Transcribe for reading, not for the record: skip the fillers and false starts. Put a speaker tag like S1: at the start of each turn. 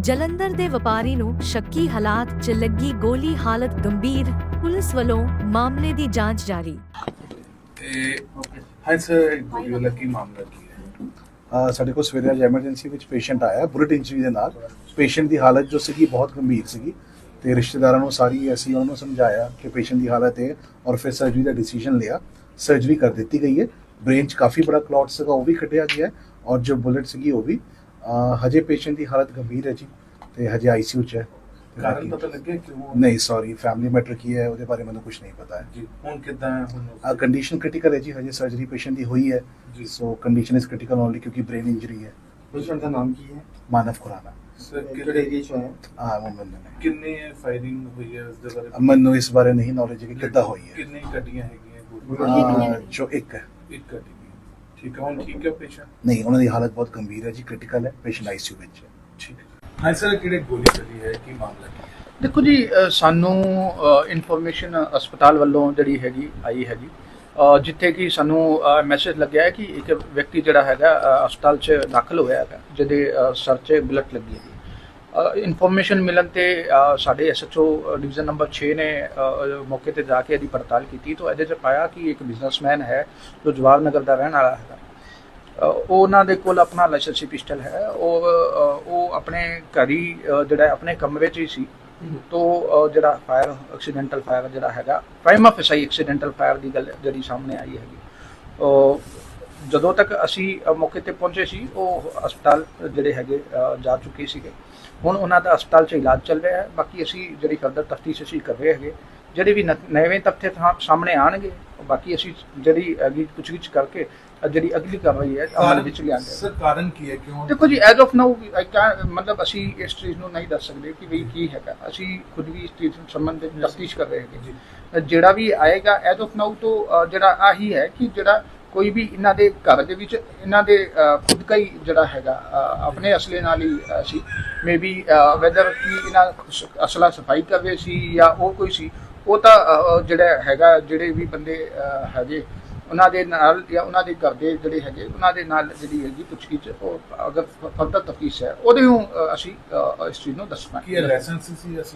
S1: ਜਲੰਧਰ ਦੇ ਵਪਾਰੀ ਨੂੰ ਸ਼ੱਕੀ ਹਾਲਾਤ 'ਚ ਲੱਗੀ ਗੋਲੀ, ਹਾਲਤ ਗੰਭੀਰ। ਪੁਲਿਸ ਵੱਲੋਂ ਮਾਮਲੇ ਦੀ ਜਾਂਚ ਜਾਰੀ।
S2: ਹਾਂ ਸਰ, ਗੋਲੀ ਕੀ ਮਾਮਲਾ ਕੀ ਹੈ?
S3: ਸਾਡੇ ਕੋਲ ਸਵੇਰੇ ਅੱਜ ਐਮਰਜੈਂਸੀ ਵਿੱਚ ਪੇਸ਼ੈਂਟ ਆਇਆ ਬੁਲਟ ਇੰਜਰੀ ਦੇ ਨਾਲ। ਪੇਸ਼ੈਂਟ ਦੀ ਹਾਲਤ ਜੋ ਸੀਗੀ ਬਹੁਤ ਗੰਭੀਰ ਸੀਗੀ ਤੇ ਰਿਸ਼ਤੇਦਾਰਾਂ ਨੂੰ ਸਾਰੀ ਅਸੀਂ ਉਹਨਾਂ ਨੂੰ ਸਮਝਾਇਆ ਕਿ ਪੇਸ਼ੈਂਟ ਦੀ ਹਾਲਤ ਹੈ ਔਰ ਫਿਰ ਸਰਜਰੀ ਦਾ ਡਿਸੀਜਨ ਲਿਆ। ਸਰਜਰੀ ਕਰ ਦਿੱਤੀ ਗਈ ਹੈ। ਬ੍ਰੇਨ 'ਚ ਕਾਫੀ ਬੜਾ ਕਲੌਟ ਸੀਗਾ, ਉਹ ਵੀ ਕੱਢਿਆ ਗਿਆ ਔਰ ਜੋ ਬੁਲਟ ਸੀਗੀ ਉਹ ਵੀ। ਹਜੇ ਪੇਸ਼ੈਂਟ ਦੀ ਹਾਲਤ ਗੰਭੀਰ ਹੈ ਜੀ ਤੇ ਹਜੇ ਆਈਸੀਯੂ 'ਚ ਹੈ।
S2: ਕਾਰਨ ਪਤਾ ਲੱਗਿਆ ਕਿਉਂ?
S3: ਨਹੀਂ ਸੌਰੀ, ਫੈਮਿਲੀ ਮੈਟਰ ਕੀ ਹੈ ਉਹਦੇ ਬਾਰੇ ਮੈਨੂੰ ਕੁਝ ਨਹੀਂ ਪਤਾ ਹੈ
S2: ਜੀ। ਹੁਣ ਕਿੱਦਾਂ ਹੈ? ਹੁਣ
S3: ਕੰਡੀਸ਼ਨ ਕ੍ਰਿਟੀਕਲ ਹੈ ਜੀ, ਹਜੇ ਸਰਜਰੀ ਪੇਸ਼ੈਂਟ ਦੀ ਹੋਈ ਹੈ
S2: ਜੀ।
S3: So condition is critical only ਕਿਉਂਕਿ ਬ੍ਰੇਨ ਇੰਜਰੀ ਹੈ।
S4: पेशेंट का नाम की है?
S3: ਮਾਨਵ ਖੁਰਾਨਾ।
S2: ਸਰ
S4: कितने एरिया से है?
S3: ਮੁੰਬਈ ਨੇ।
S2: ਕਿੰਨੇ ਫਾਇਰਿੰਗ ਹੋਈ ਹੈ ਉਸ ਦੇ ਬਾਰੇ?
S3: ਮੈਨੂੰ ਇਸ ਬਾਰੇ ਨਹੀਂ ਨੌਲੇਜ ਹੈ ਕਿ ਕਿੱਦਾਂ ਹੋਈ ਹੈ।
S2: ਕਿੰਨੇ ਗੱਡੀਆਂ ਹੈਗੀਆਂ ਗੋਲੀਆਂ?
S3: ਜੋ ਇੱਕ ਹੈ।
S2: ਇੱਕ ਗੱਡੀ ਠੀਕ ਹੈ। ਹੁਣ ਠੀਕ ਹੈ ਪੇਸ਼ੈਂਟ?
S3: ਨਹੀਂ, ਉਹਨਾਂ ਦੀ ਹਾਲਤ ਬਹੁਤ ਗੰਭੀਰ ਹੈ ਜੀ, ਕ੍ਰਿਟੀਕਲ ਹੈ। ਪੇਸ਼ੈਂਟ ਆਈਸੀਯੂ ਵਿੱਚ ਹੈ।
S2: ਠੀਕ ਹੈ। ਹਾਂ ਸਰ, ਕਿਹੜੇ ਗੋਲੀ ਚੱਲੀ ਹੈ, ਕੀ ਮਾਮਲਾ ਕੀ ਹੈ?
S5: ਦੇਖੋ ਜੀ, ਸਾਨੂੰ ਇਨਫੋਰਮੇਸ਼ਨ ਹਸਪਤਾਲ ਵੱਲੋਂ ਜਿਹੜੀ ਹੈਗੀ ਆਈ ਹੈਗੀ, ਜਿੱਥੇ ਕਿ ਸਾਨੂੰ ਮੈਸੇਜ ਲੱਗਿਆ ਹੈ ਕਿ ਇੱਕ ਵਿਅਕਤੀ ਜਿਹੜਾ ਹੈਗਾ ਹਸਪਤਾਲ 'ਚ ਦਾਖਲ ਹੋਇਆ ਹੈਗਾ, ਜਿਹਦੇ ਸਰ 'ਚ ਬੁਲਟ ਲੱਗੀ ਹੈਗੀ। ਇਨਫੋਰਮੇਸ਼ਨ ਮਿਲਣ ਤੇ ਸਾਡੇ ਐਸਐਚਓ ਡਿਵੀਜ਼ਨ ਨੰਬਰ 6 ਨੇ ਮੌਕੇ ਤੇ ਜਾ ਕੇ ਇਹਦੀ ਪੜਤਾਲ ਕੀਤੀ ਤਾਂ ਇਹਦੇ 'ਚ ਪਾਇਆ ਕਿ ਇੱਕ ਬਿਜ਼ਨਸਮੈਨ ਹੈ ਜੋ ਜਵਾਹਰ ਨਗਰ ਦਾ ਰਹਿਣ ਵਾਲਾ ਹੈਗਾ। ਉਹਨਾਂ ਦੇ ਕੋਲ ਆਪਣਾ ਲਾਇਸੈਂਸੀ ਪਿਸਟਲ ਹੈ। ਉਹ ਆਪਣੇ ਘਰ ਹੀ ਜਿਹੜਾ ਆਪਣੇ ਕਮਰੇ 'ਚ ਹੀ ਸੀ ਤੋਂ ਜਿਹੜਾ ਫਾਇਰ ਐਕਸੀਡੈਂਟਲ ਫਾਇਰ ਜਿਹੜਾ ਹੈਗਾ, ਪ੍ਰਾਈਮਾ ਫੇਸਾਈ ਐਕਸੀਡੈਂਟਲ ਫਾਇਰ ਦੀ ਗੱਲ ਜਿਹੜੀ ਸਾਹਮਣੇ ਆਈ ਹੈਗੀ। ਜਦੋਂ ਤੱਕ ਅਸੀਂ ਮੌਕੇ ਤੇ ਪਹੁੰਚੇ ਸੀ ਉਹ ਹਸਪਤਾਲ ਜਿਹੜੇ ਹੈਗੇ ਜਾ ਚੁੱਕੇ ਸੀਗੇ। ਹੁਣ ਉਹਨਾਂ ਦਾ ਹਸਪਤਾਲ 'ਚ ਇਲਾਜ ਚੱਲ ਰਿਹਾ ਹੈ। ਬਾਕੀ ਅਸੀਂ ਜਿਹੜੀ ਫਰਦਰ ਤਫਤੀਸ਼ ਅਸੀਂ ਕਰ ਰਹੇ ਹੈਗੇ, ਜਿਹੜੇ ਵੀ ਨਵੇਂ ਤੱਥ ਸਾਹਮਣੇ ਆਉਣਗੇ ਬਾਕੀ ਅਸੀਂ ਜਿਹੜੀ ਅਗਲੀ ਪੁੱਛਗਿੱਛ ਕਰਕੇ ਜਿਹੜੀ ਅਗਲੀ ਕਾਰਵਾਈ ਹੈ ਅਮਲ ਵਿੱਚ ਲਿਆਂਗੇ।
S2: ਸਰ ਕਾਰਨ ਕੀ ਹੈ, ਕਿਉਂ?
S5: ਦੇਖੋ ਜੀ, ਐਜ਼ ਆਫ ਨਾਊ ਮਤਲਬ ਅਸੀਂ ਇਸ ਚੀਜ਼ ਨੂੰ ਨਹੀਂ ਦੱਸ ਸਕਦੇ ਕਿ ਵੀ ਕੀ ਹੈਗਾ। ਅਸੀਂ ਖੁਦ ਵੀ ਇਸ ਚੀਜ਼ ਸੰਬੰਧਿਤ ਤਫਤੀਸ਼ ਕਰ ਰਹੇ ਹੈਗੇ। ਜਿਹੜਾ ਵੀ ਆਏਗਾ ਐਜ਼ ਆਫ ਨਾਊ ਤੋਂ ਜਿਹੜਾ ਆਹੀ ਹੈ ਕਿ ਜਿਹੜਾ ਕੋਈ ਵੀ ਇਹਨਾਂ ਦੇ ਘਰ ਦੇ ਵਿੱਚ ਇਹਨਾਂ ਦੇ ਖੁਦ ਦਾ ਹੀ ਜਿਹੜਾ ਹੈਗਾ ਆਪਣੇ ਅਸਲੇ ਨਾਲ ਹੀ ਸੀ। ਮੇ ਬੀ ਵੈਦਰ ਕਿ ਇਹਨਾਂ ਅਸਲਾ ਸਫਾਈ ਕਰ ਰਹੇ ਸੀ ਜਾਂ ਉਹ ਕੋਈ ਸੀ, ਉਹ ਤਾਂ ਜਿਹੜਾ ਹੈਗਾ ਜਿਹੜੇ ਵੀ ਬੰਦੇ ਹੈਗੇ ਉਹਨਾਂ ਦੇ ਨਾਲ ਜਾਂ ਉਹਨਾਂ ਦੇ ਘਰ ਦੇ ਜਿਹੜੇ ਹੈਗੇ ਉਹਨਾਂ ਦੇ ਨਾਲ ਜਿਹੜੀ ਹੈਗੀ ਪੁੱਛਗਿੱਛ ਉਹ ਅਗਰ ਫਰਦਰ ਤਫਤੀਸ਼ ਹੈ ਉਹਦੇ ਨੂੰ ਅਸੀਂ ਇਸ ਚੀਜ਼ ਨੂੰ ਦੱਸਣਾ।
S2: ਕੀ ਲਾਇਸੈਂਸ ਸੀ?